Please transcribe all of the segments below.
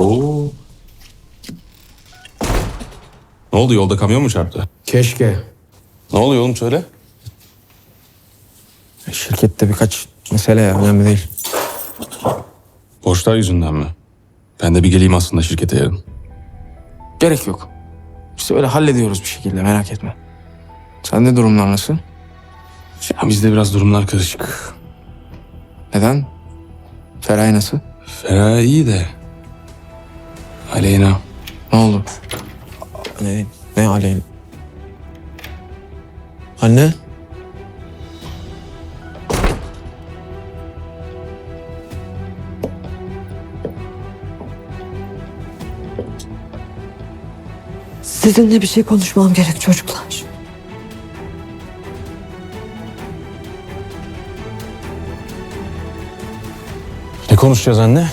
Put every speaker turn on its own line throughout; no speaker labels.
Oo. Ne oldu, yolda kamyon mu çarptı?
Keşke.
Ne oluyor oğlum, söyle.
Şirkette birkaç mesele ya, önemli değil.
Borçlar yüzünden mi? Ben de bir geleyim aslında şirkete yarın.
Gerek yok. Biz öyle hallediyoruz bir şekilde, merak etme. Sende durumlar nasıl?
Ya bizde biraz durumlar karışık.
Neden? Feray nasıl?
Ferah iyi de. Aleyna.
Ne oldu? Ne aleyhine? Anne?
Sizinle bir şey konuşmam gerek çocuklar.
Ne konuşacağız anne?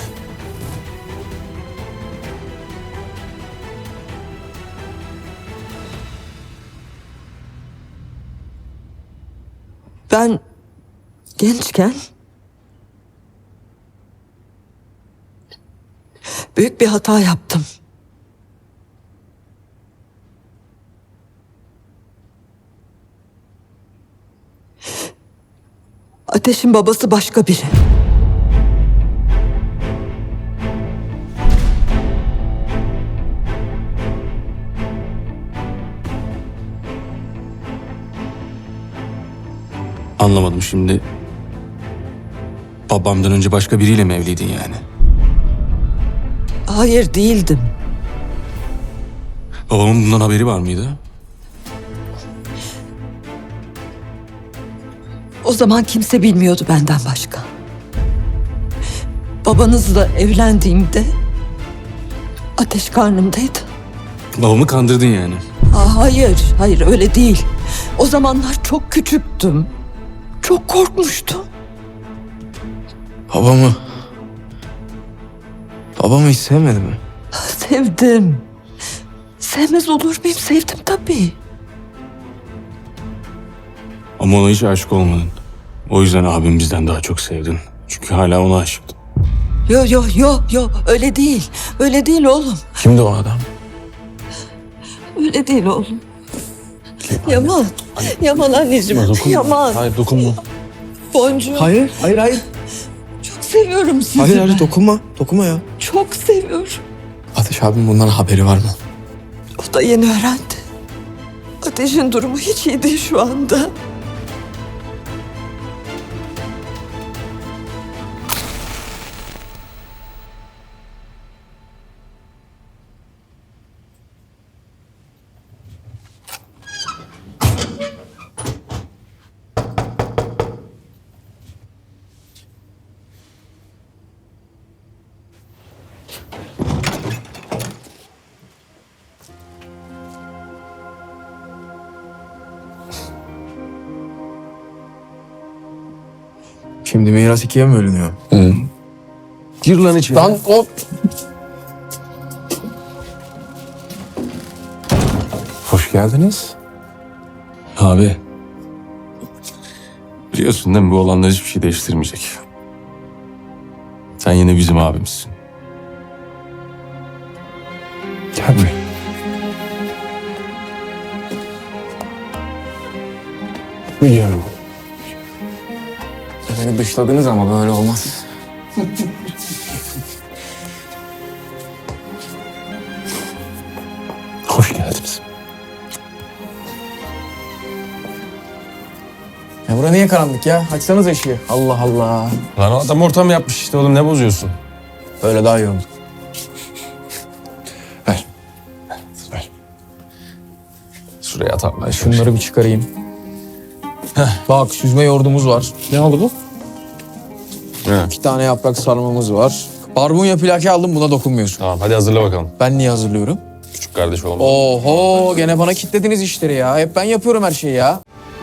Ben gençken büyük bir hata yaptım. Ateş'in babası başka biri.
Anlamadım şimdi. Babamdan önce başka biriyle mi evliydin yani?
Hayır, değildim.
Babamın bundan haberi var mıydı?
O zaman kimse bilmiyordu benden başka. Babanızla evlendiğimde Ateş karnımdaydı.
Babamı kandırdın yani.
Hayır öyle değil. O zamanlar çok küçüktüm. Çok korkmuştum.
Babamı hiç sevmedi mi?
Sevdim. Sevmez olur muyum? Sevdim tabii.
Ama ona hiç aşık olmadın. O yüzden abim bizden daha çok sevdin. Çünkü hala ona aşıktın.
Yo, öyle değil. Öyle değil oğlum.
Kimdi o adam?
Öyle değil oğlum. Yaman anneciğim. Yaman.
Hayır, dokunma.
Boncuğum.
Hayır.
Çok seviyorum sizi.
Hayır, dokunma ya.
Çok seviyorum.
Ateş abim bundan haberi var mı?
O da yeni öğrendi. Ateş'in durumu hiç iyi değil şu anda.
Şimdi miras ikiye mi bölünüyor?
Gir lan içeri.
Lan hop.
Hoş geldiniz. Abi. Biliyorsun değil mi, bu olanlar hiçbir şey değiştirmeyecek. Sen yine bizim abimizsin.
Gel buraya. Biliyorum. Beni dışladınız ama böyle olmaz.
Hoş geldiniz.
Ya bura niye karanlık ya? Açsanız ışığı. Allah Allah.
Lan adam ortam yapmış işte oğlum, ne bozuyorsun?
Böyle daha iyi oldu.
Ver. Ver. Şuraya at Allah aşkına.
Şunları bir çıkarayım. Bak süzme yoğurdumuz var. Ne oldu bu?
He.
2 tane yaprak sarmamız var. Barbunya plaki aldım, buna dokunmuyorsun.
Tamam, hadi hazırla bakalım.
Ben niye hazırlıyorum?
Küçük kardeş olalım.
Oho, gene bana kitlediniz işleri ya. Hep ben yapıyorum her şeyi ya.